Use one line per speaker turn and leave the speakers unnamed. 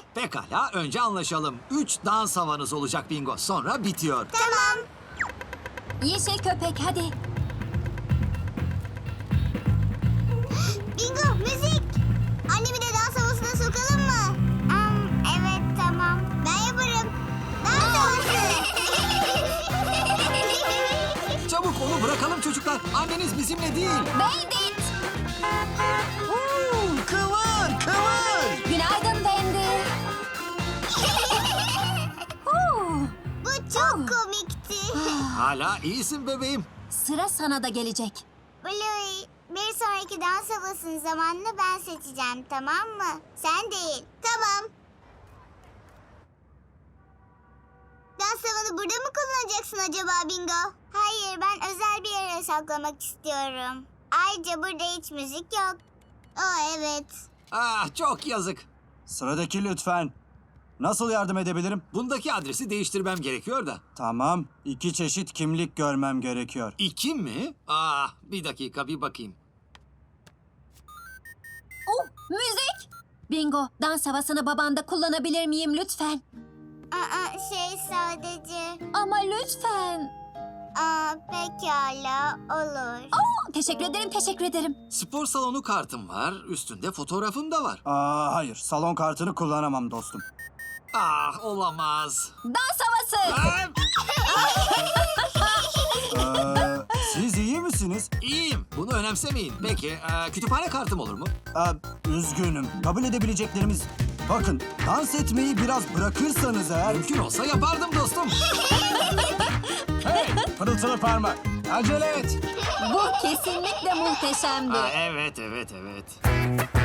Pekala, önce anlaşalım. 3 dans havanız olacak bingo. Sonra bitiyor.
Tamam.
Yeşil köpek hadi.
Bingo, müzik. Annemi de dans havasına sokalım mı? Evet, tamam. Ben yaparım. Dans havası.
Çabuk onu bırakalım çocuklar. Anneniz bizimle değil.
Bandit.
Kıvır, kıvır.
Günaydın Bandit.
Bu çok komikti.
Hala iyisin bebeğim.
Sıra sana da gelecek.
Bluey, bir sonraki dans havasının zamanını ben seçeceğim, tamam mı? Sen değil. Tamam. Dans havanı burada mı kullanacaksın acaba Bingo? Hayır, ben özel bir yere saklamak istiyorum. Ayrıca burada hiç müzik yok. Evet.
Ah, çok yazık.
Sıradaki lütfen. Nasıl yardım edebilirim?
Bundaki adresi değiştirmem gerekiyor da.
Tamam. 2 çeşit kimlik görmem gerekiyor.
2 mi? Ah, bir dakika bir bakayım.
Oh, müzik. Bingo, dans havasını babanda kullanabilir miyim lütfen?
Sadece...
Ama lütfen.
Pekala, olur.
Oh, teşekkür ederim, teşekkür ederim.
Spor salonu kartım var. Üstünde fotoğrafım da var.
Hayır. Salon kartını kullanamam dostum.
Ah, olamaz.
Dans havası.
Siz iyi misiniz?
İyiyim. Bunu önemsemeyin. Peki, kütüphane kartım olur mu?
Üzgünüm. Kabul edebileceklerimiz... Bakın, dans etmeyi biraz bırakırsanız eğer...
Mümkün olsa yapardım dostum.
Hey, pırıltılı parmak. Acele et.
Bu kesinlikle muhteşemdi.
Evet.